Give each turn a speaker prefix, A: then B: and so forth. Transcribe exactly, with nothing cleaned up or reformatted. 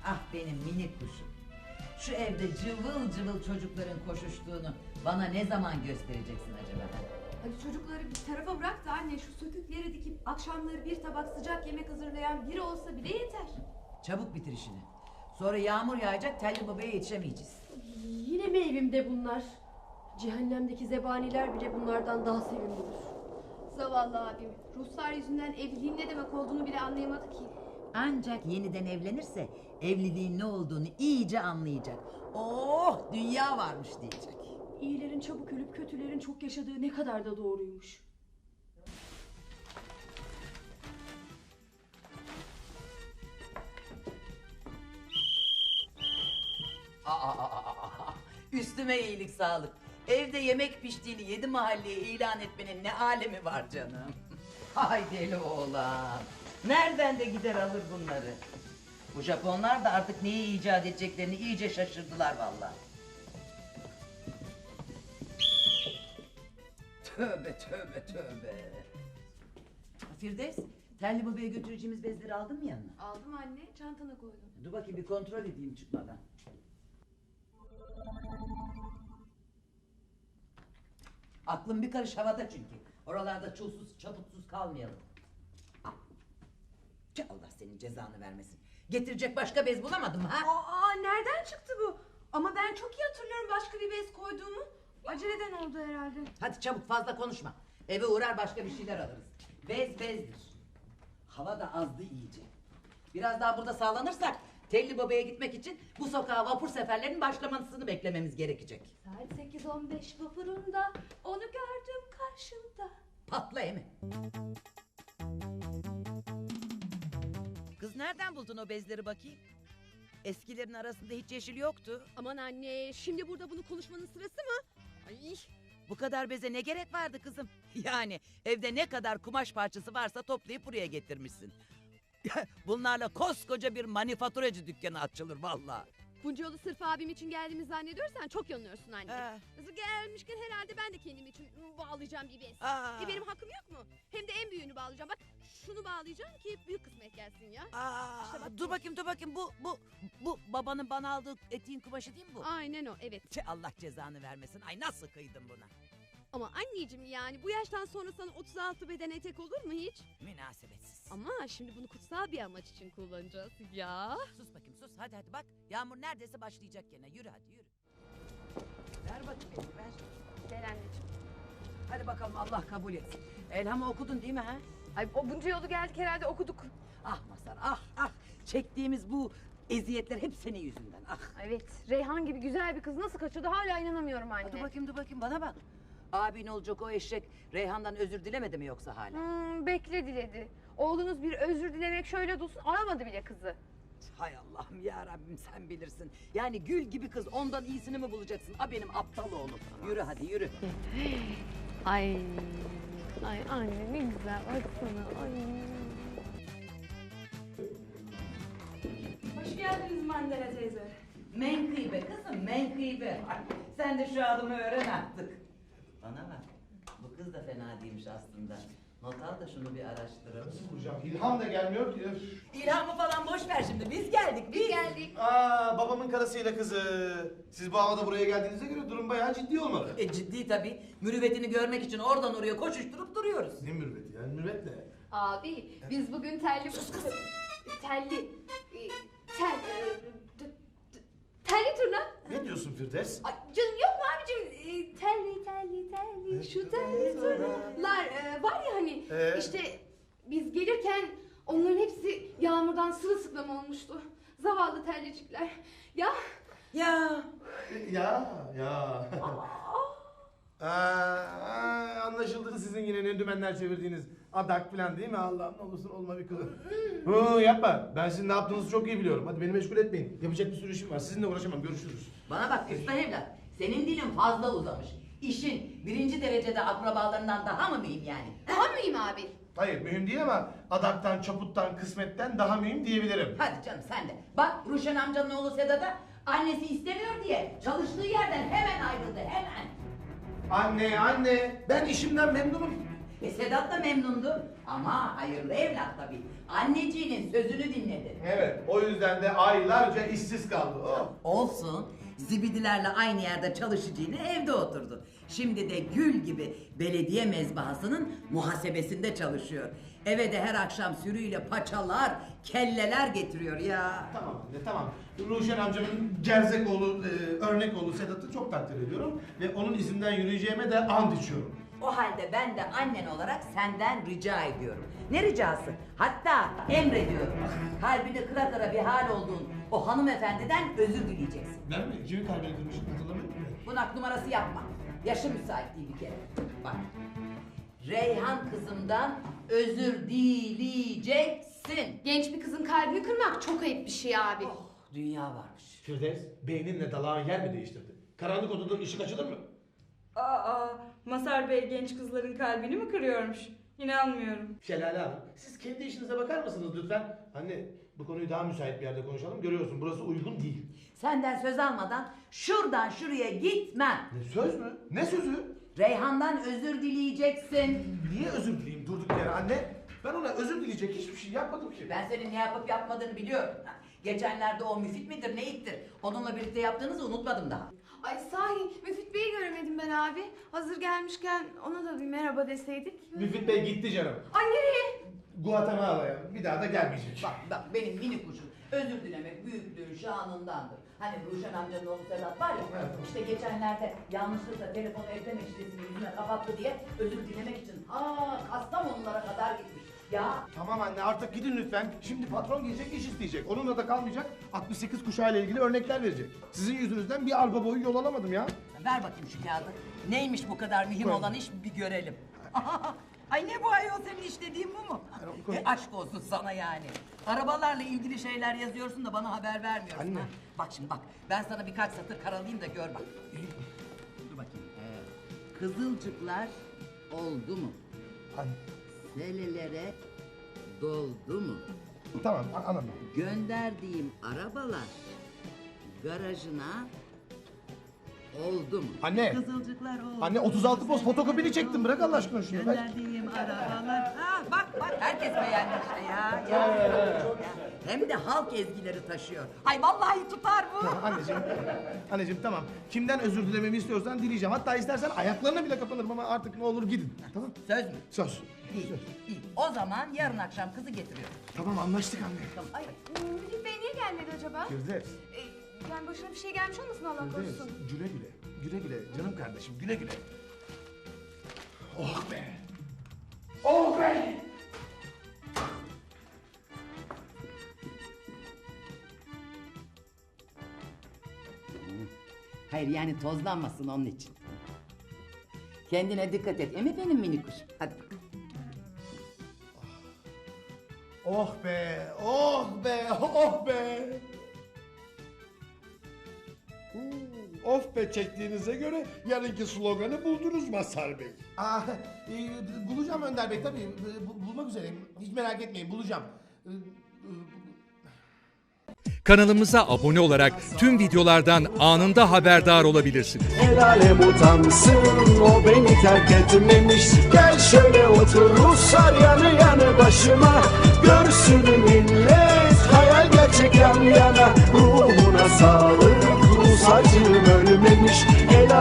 A: Ah benim minik kuşum. Şu evde cıvıl cıvıl çocukların koşuştuğunu bana ne zaman göstereceksin acaba?
B: Hadi çocukları bir tarafa bırak da anne, şu sökükleri dikip akşamları bir tabak sıcak yemek hazırlayan biri olsa bile yeter.
A: Çabuk bitir işini. Sonra yağmur yağacak, telli babaya yetişemeyeceğiz.
C: Yine mi evimde bunlar? Cehennemdeki zebaniler bile bunlardan daha sevimlidir.
B: Zavallı abim. Ruslar yüzünden evliliğin ne demek olduğunu bile anlayamadı ki.
A: Ancak yeniden evlenirse evliliğin ne olduğunu iyice anlayacak. Oh, dünya varmış diyecek.
C: İyilerin çabuk ölüp kötülerin çok yaşadığı ne kadar da doğruymuş.
A: Aa, aa, aa, aa. Üstüme iyilik sağlık. Evde yemek piştiğini yedi mahalleye ilan etmenin ne alemi var canım. Hay deli oğlan. Nereden de gider alır bunları. Bu Japonlar da artık neyi icat edeceklerini iyice şaşırdılar vallahi. Tövbe tövbe tövbe. Firdevs, telli babaya götüreceğimiz bezleri aldın mı yanına?
B: Aldım anne, çantana koydum.
A: Dur bakayım bir kontrol edeyim çıkmadan. Aklım bir karış havada çünkü. Oralarda çulsuz çaputsuz kalmayalım. Tüh, Allah senin cezanı vermesin. Getirecek başka bez bulamadım ha?
B: Aa, nereden çıktı bu? Ama ben çok iyi hatırlıyorum başka bir bez koyduğumu. Aceleden oldu herhalde.
A: Hadi çabuk, fazla konuşma. Eve uğrar başka bir şeyler alırız. Bez bezdir. Hava da azdı iyice. Biraz daha burada sağlanırsak Telli Baba'ya gitmek için bu sokağa vapur seferlerinin başlamasını beklememiz gerekecek.
B: Saat sekiz on beş vapurunda onu gördüm karşımda.
A: Patla emi. Kız nereden buldun o bezleri bakayım? Eskilerin arasında hiç yeşil yoktu.
C: Aman anne, şimdi burada bunu konuşmanın sırası mı? Ay,
A: Bu kadar beze ne gerek vardı kızım? Yani evde ne kadar kumaş parçası varsa toplayıp buraya getirmişsin. Bunlarla koskoca bir manifaturacı dükkanı açılır vallahi.
C: bunca yolu sırf abim için geldiğimi zannediyorsan çok yanılıyorsun anne.
A: Ha.
C: Kızı gelmişken herhalde ben de kendim için bağlayacağım bir bez.
A: Aa.
C: E benim hakkım yok mu? Hem de en büyüğünü bağlayacağım. Bak şunu bağlayacağım ki büyük kısmet gelsin ya.
A: Aa,
C: İşte bak
A: dur
C: bu.
A: bakayım dur bakayım bu bu bu babanın bana aldığı etiğin kumaşı değil mi bu?
C: Aynen o, evet.
A: Tüh, Allah cezanı vermesin. Ay nasıl kıydın buna?
C: Ama anneciğim, yani bu yaştan sonra sana otuz altı beden etek olur mu hiç?
A: Münasebetsiz.
C: Ama şimdi bunu kutsal bir amaç için kullanacağız ya.
A: Sus bakayım sus, hadi hadi bak. Yağmur neredeyse başlayacak gene. Yürü hadi yürü. Ver bakayım elini ver.
B: Ver anneciğim.
A: Hadi bakalım, Allah kabul etsin. Elhamı okudun değil mi ha?
B: Ay, o bunca yolu geldik herhalde okuduk.
A: Ah Mazhar ah ah. Çektiğimiz bu eziyetler hep senin yüzünden ah.
B: Evet, Reyhan gibi güzel bir kız nasıl kaçırdı hala inanamıyorum anne.
A: Dur bakayım dur bakayım bana bak. Abin olacak o eşek Reyhan'dan özür dilemedi mi yoksa hala?
B: Hmm, bekle diledi. Oğlunuz bir özür dilemek şöyle dursun, aramadı bile kızı.
A: Hay Allah'ım ya Rabbim, sen bilirsin. Yani gül gibi kız, ondan iyisini mi bulacaksın? A benim aptal oğlum. Yürü hadi yürü.
B: Ay, ay anne ne güzel baksana. Ay.
D: Hoş geldiniz Mandela teyze.
A: Menkıbe kızım menkıbe. Ay, sen de şu adımı öğren artık. Bana bak, bu kız da fena değilmiş aslında. Not al da şunu bir araştıralım.
E: Hocam İlham da gelmiyor ki. Öf.
A: İlhamı falan boş ver şimdi, biz geldik biz.
B: Geldik.
E: Aa, babamın karısıyla kızı. Siz bu havada buraya geldiğinize göre durum bayağı ciddi olmalı.
A: E ciddi tabii. Mürüvvetini görmek için oradan oraya koşuşturup duruyoruz.
E: Ne mürüvveti yani, mürüvvet ne?
B: Abi biz bugün telli... telli... e, Tel... e, t- t- Telli turna.
E: Ne diyorsun Firdevs?
B: Ay canım yok mu abicim? E, Telli telli telli şu telli turnalar e, var ya hani
E: Ee?
B: işte biz gelirken onların hepsi yağmurdan sırılsıklam olmuştu. Zavallı tellicikler. Ya
A: Ya
E: Ya ya. Aa, aa, anlaşıldı sizin yine ne dümenler çevirdiğiniz adak falan değil mi? Allah'ım ne olursun olma bir kızım. Hı, yapma. Ben sizin ne yaptığınızı çok iyi biliyorum. Hadi beni meşgul etmeyin. Yapacak bir sürü işim var. Sizinle uğraşamam. Görüşürüz.
A: bana bak usta evlat. Senin dilin fazla uzamış. İşin birinci derecede akrabalarından daha mı mühim yani?
B: daha mıyım abi?
E: Hayır mühim değil ama adaktan, çaputtan, kısmetten daha mühim diyebilirim.
A: Hadi canım sen de. Bak Ruşen amcanın oğlu Sedat'a annesi istemiyor diye çalıştığı yerden hemen ayrıldı hemen.
E: Anne anne ben işimden memnunum.
A: E Sedat da memnundu. Ama hayırlı evlat tabii. Anneciğinin sözünü dinledi.
E: Evet, o yüzden de aylarca işsiz kaldı. Oh.
A: Olsun. Zibidilerle aynı yerde çalışacağını evde oturdu. Şimdi de gül gibi belediye mezbahasının muhasebesinde çalışıyor. Eve de her akşam sürüyle paçalar, kelleler getiriyor ya.
E: Tamam anne, tamam. Ruşen amcamın gerzek oğlu, e, örnek oğlu Sedat'ı çok takdir ediyorum. Ve onun izinden yürüyeceğime de and içiyorum.
A: O halde ben de annen olarak senden rica ediyorum. Ne ricası? Hatta emrediyorum. Kalbini kıra kıra bir hal olduğun o hanımefendiden özür dileyeceksin.
E: Ben mi? Kimin kalbini kırmışım hatırlamıyor musun?
A: Bunak numarası yapma. Yaşım müsait değil bir kere. Bak. Reyhan kızımdan özür dileyeceksin.
B: Genç bir kızın kalbini kırmak çok ayıp bir şey abi.
A: Oh, dünya varmış.
E: Firdevs, beyninle dalağın yer mi değiştirdi? Karanlık odadan ışık açılır mı?
D: Aa, Mazhar Bey genç kızların kalbini mi kırıyormuş? İnanmıyorum.
E: Şelale Hanım, siz kendi işinize bakar mısınız lütfen? Anne, bu konuyu daha müsait bir yerde konuşalım. Görüyorsun, burası uygun değil.
A: Senden söz almadan şuradan şuraya gitmem.
E: Ne söz mü? Ne sözü?
A: Reyhan'dan özür dileyeceksin.
E: Niye özür dileyim durduk yere anne? Ben ona özür dileyecek hiçbir şey yapmadım ki.
A: Ben senin ne yapıp yapmadığını biliyorum. Geçenlerde o Müfit midir neyittir? Onunla birlikte yaptığınızı unutmadım daha.
F: Ay sahi Müfit Bey'i göremedim ben abi. Hazır gelmişken ona da bir merhaba deseydik.
E: Müfit Bey gitti canım.
F: Ay nereye?
E: Guatemala'ya. Bir daha da gelmeyecek.
A: Bak bak benim mini kuşum özür dilemek büyüklüğün şanındandır. Hani Ruşen amcanın oğlu Sedat var ya,
E: Evet.
A: işte geçenlerde yanlışlıkla telefonu ekleme şifresini yüzüme kapattı diye özür dilemek için ha Kastamonulara kadar gitmiş. Ya
E: Tamam anne artık gidin lütfen. Şimdi patron gelecek iş isteyecek. Onunla da kalmayacak. altmış sekiz kuşağıyla ilgili örnekler verecek. Sizin yüzünüzden bir arpa boyu yol alamadım ya.
A: ver bakayım şu kağıdı. Neymiş bu kadar mühim
E: Koy.
A: olan iş bir görelim. Ay ne bu ayol senin işlediğin bu mu?
E: koy.
A: E, aşk olsun sana yani. Arabalarla ilgili şeyler yazıyorsun da bana haber vermiyorsun.
E: Anne.
A: Ha? Bak şimdi bak ben sana birkaç satır karalayayım da gör bak. Dur bakayım. Ee, kızılcıklar oldu mu?
E: Anne.
A: Selelere doldu mu?
E: Tamam a- anladım.
A: Gönderdiğim arabalar garajına oldu mu?
E: Anne.
A: Kızılcıklar oldu.
E: Anne, otuz altı poz fotokopini çektim. Bırak Allah aşkına şunu. Ver.
A: Gönderdiğim arabalar. Ha bak bak herkes beğendi işte ya. ya. Ya. Hem de halk ezgileri taşıyor. Ay vallahi tutar bu.
E: Anneciğim, anneciğim tamam. Kimden özür dilememi istiyorsan dileyeceğim. Hatta istersen ayaklarına bile kapanırım ama artık ne olur gidin. Tamam?
A: Söz mü?
E: Söz.
A: İyi, iyi. O zaman yarın akşam kızı getiriyorum.
E: Tamam anlaştık anne.
A: Tamam. Ay,
F: Müfit Bey niye gelmedi acaba?
E: Firdevs.
F: Ee, yani başına bir şey gelmiş olmasın Allah
E: Firdevs.
F: korusun.
E: Güle güle. Güle güle. Canım kardeşim güle güle. Oh be. Oh be.
A: hayır yani tozlanmasın onun için. Kendine dikkat et. Emi benim mini kuş. Hadi bakalım.
E: Oh be. Oh be. Oh be.
G: Of be çektiğinize göre yarınki sloganı buldunuz Mazhar Bey.
E: Aa, e, bulacağım Önder Bey tabii. E, bu- bulmak üzereyim. Hiç merak etmeyin bulacağım. E, e,
H: Kanalımıza abone olarak tüm videolardan anında haberdar olabilirsiniz.
I: El alem utansın o beni terk etmemiş. Gel şöyle otur Ruslar yanı yanı başıma. Görsün millet hayal gerçek yan yana. Ruhuna sağlık Rus acım ölmemiş.